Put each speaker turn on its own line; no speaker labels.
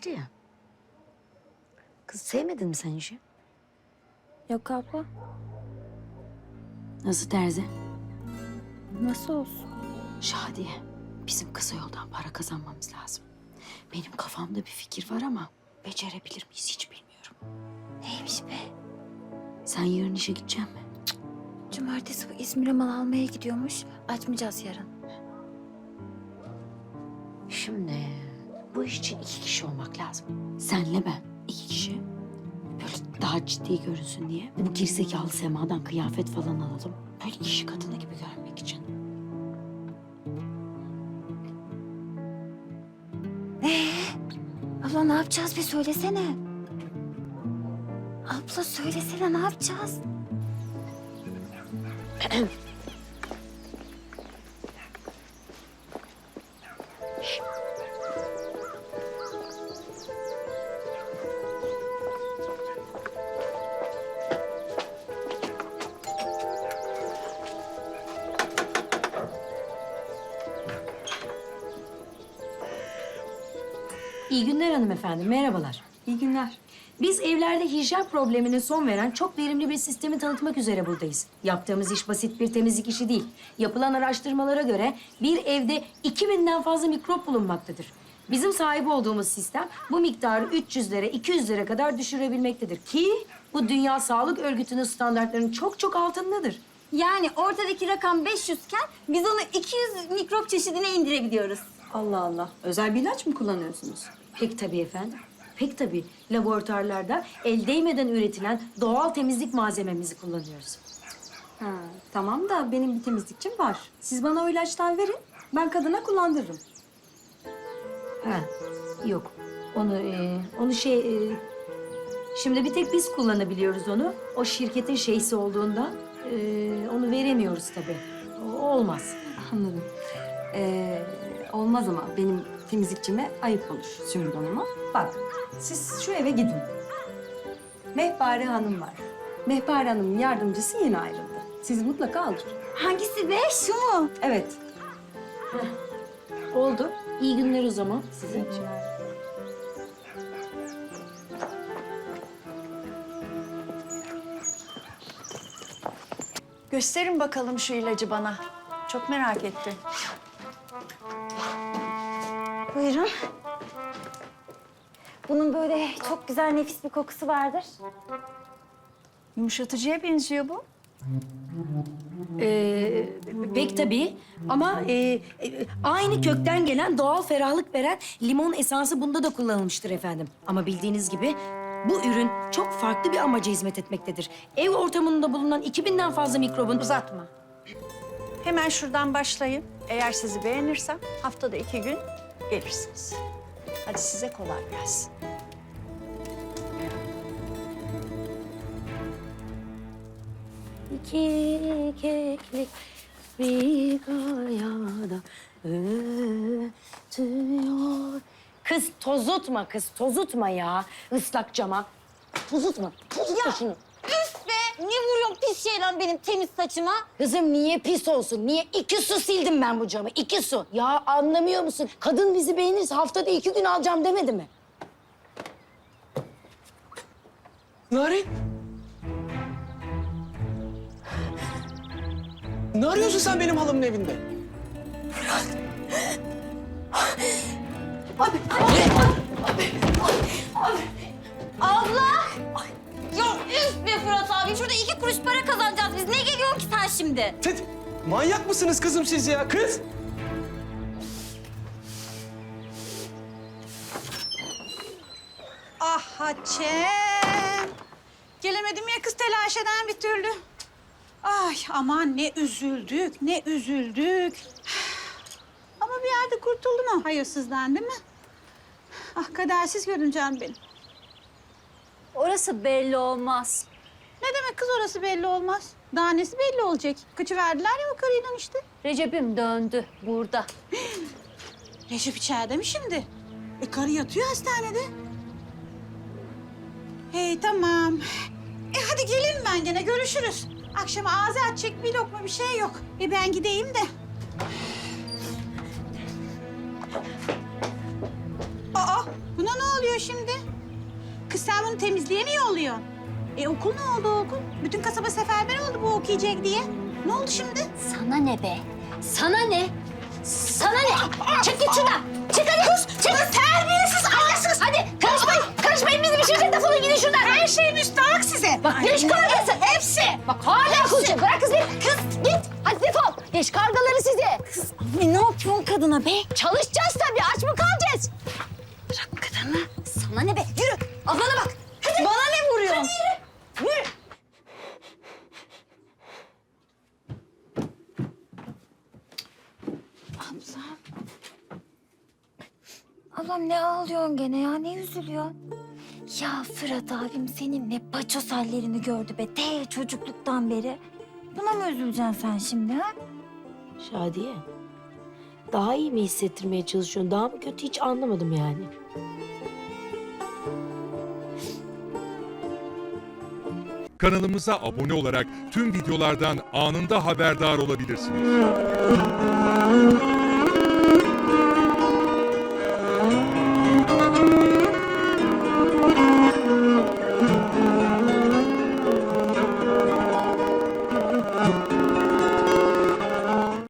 Şadiye. Kız sevmedin mi sen işi?
Yok abla.
Nasıl terzi?
Nasıl olsun?
Şadiye, bizim kısa yoldan para kazanmamız lazım. Benim kafamda bir fikir var ama becerebilir miyiz hiç bilmiyorum.
Neymiş be?
Sen yarın işe gidecek misin?
Cumartesi bu İzmir'e mal almaya gidiyormuş. Açmayacağız yarın.
Şimdi bu iş için 2 kişi olmak lazım. Senle ben 2 kişi. Böyle daha ciddi görünsün diye. Bu gerizekalı Sema'dan kıyafet falan alalım. Böyle kişi kadını gibi görünmek için.
Abla ne yapacağız bir söylesene. Abla söylesene ne yapacağız?
İyi günler hanımefendi, merhabalar.
İyi günler.
Biz evlerde hijyen problemine son veren çok verimli bir sistemi tanıtmak üzere buradayız. Yaptığımız iş basit bir temizlik işi değil. Yapılan araştırmalara göre bir evde 2000'den fazla mikrop bulunmaktadır. Bizim sahip olduğumuz sistem bu miktarı 300'lere, 200'lere kadar düşürebilmektedir. Ki bu Dünya Sağlık Örgütü'nün standartlarının çok çok altındadır.
Yani ortadaki rakam 500 iken biz onu 200 mikrop çeşidine indirebiliyoruz.
Allah Allah. Özel bir ilaç mı kullanıyorsunuz?
Pek tabii efendim. Pek tabii. Laboratuvarlarda el değmeden üretilen doğal temizlik malzememizi kullanıyoruz.
Ha, tamam da benim bir temizlikçim var. Siz bana o ilaçtan verin. Ben kadına kullandırırım.
Ha, yok. Şimdi bir tek biz kullanabiliyoruz onu. O şirketin şeysi olduğundan onu veremiyoruz tabii. O olmaz.
Anladım. Olmaz ama benim temizlikçime ayıp olur Sümbül Hanım'a. Bak, siz şu eve gidin. Mehpare Hanım var. Mehpare Hanım'ın yardımcısı yeni ayrıldı. Sizi mutlaka alır.
Hangisi be? Şu mu?
Evet.
Oldu. İyi günler o zaman size.
Gösterin bakalım şu ilacı bana. Çok merak ettim.
Buyurun. Bunun böyle çok güzel nefis bir kokusu vardır.
Yumuşatıcıya benziyor bu.
Pek tabii ama aynı kökten gelen doğal ferahlık veren limon esansı bunda da kullanılmıştır efendim. Ama bildiğiniz gibi bu ürün çok farklı bir amaca hizmet etmektedir. Ev ortamında bulunan 2000'den fazla mikrobun...
Uzatma. Hemen şuradan başlayın. Eğer sizi beğenirsem haftada 2 gün gelirsiniz. Hadi size kolay gelsin.
İki keklik bir kayada ötüyor. Kız tozutma kız, tozutma ya ıslak cama. Tozutma şunu.
Üf be! Niye vuruyorsun pis şeyle benim temiz saçıma?
Kızım niye pis olsun? Niye 2 su sildim ben bu camı? 2 su. Ya anlamıyor musun? Kadın bizi beğenirse haftada 2 gün alacağım demedi mi?
Narin. Ne arıyorsun sen benim halamın evinde?
Abla! Ya üf be Fırat abi! Şurada 2 kuruş para kazanacağız biz. Ne geliyorsun ki sen şimdi?
Manyak mısınız kızım siz ya? Kız!
Ah Hatice'm. Gelemedim ya kız telaş eden bir türlü. Ay aman ne üzüldük, ne üzüldük. Ama bir yerde kurtuldum o hayırsızdan değil mi? Ah kadersiz görüneceğim benim.
Orası belli olmaz.
Ne demek kız orası belli olmaz. Daha nesi belli olacak? Kaçı verdiler ya o karıyla işte.
Recep'im döndü burada.
Recep içeride mi şimdi? Karı yatıyor hastanede. Hey tamam. Hadi gelin ben gene görüşürüz. Akşama ağzı açacak bir lokma bir şey yok. Ben gideyim de. Aa buna ne oluyor şimdi? Kız sen bunu temizliğe mi yolluyorsun? Okul ne oldu okul? Bütün kasaba seferber oldu bu okuyacak diye. Ne oldu şimdi?
Sana ne be? Sana ne? Sana ne? Çık git şuradan. Çık hadi. Kız, çık. Terbiyesiz, ahlaksız. Hadi karışmayın. Karışmayın bizim işimize. Defolun gidin şuradan.
Her şey müstahak size.
Bak diş kargası. Hepsi. Bak hala konuşuyor. Bırak kız beni. Kız git. Hadi defol. Diş kargaları size. Kız
Ne yapıyorsun kadına be?
çalışacağız tabii. Aç mı kalacağız?
Bırak kadını.
Sana ne be? Yürü. Ablana bak. Hadi.
Bana ne vuruyorsun?
Hadi yürü. Yürü.
Ablam ne ağlıyorsun gene ya? Ne üzülüyorsun? Ya Fırat abim seninle paçoz hallerini gördü be. Çocukluktan beri. Buna mı üzüleceksin sen şimdi ha?
Şadiye, daha iyi mi hissettirmeye çalışıyorsun? Daha mı kötü hiç anlamadım yani.
Kanalımıza abone olarak tüm videolardan anında haberdar olabilirsiniz.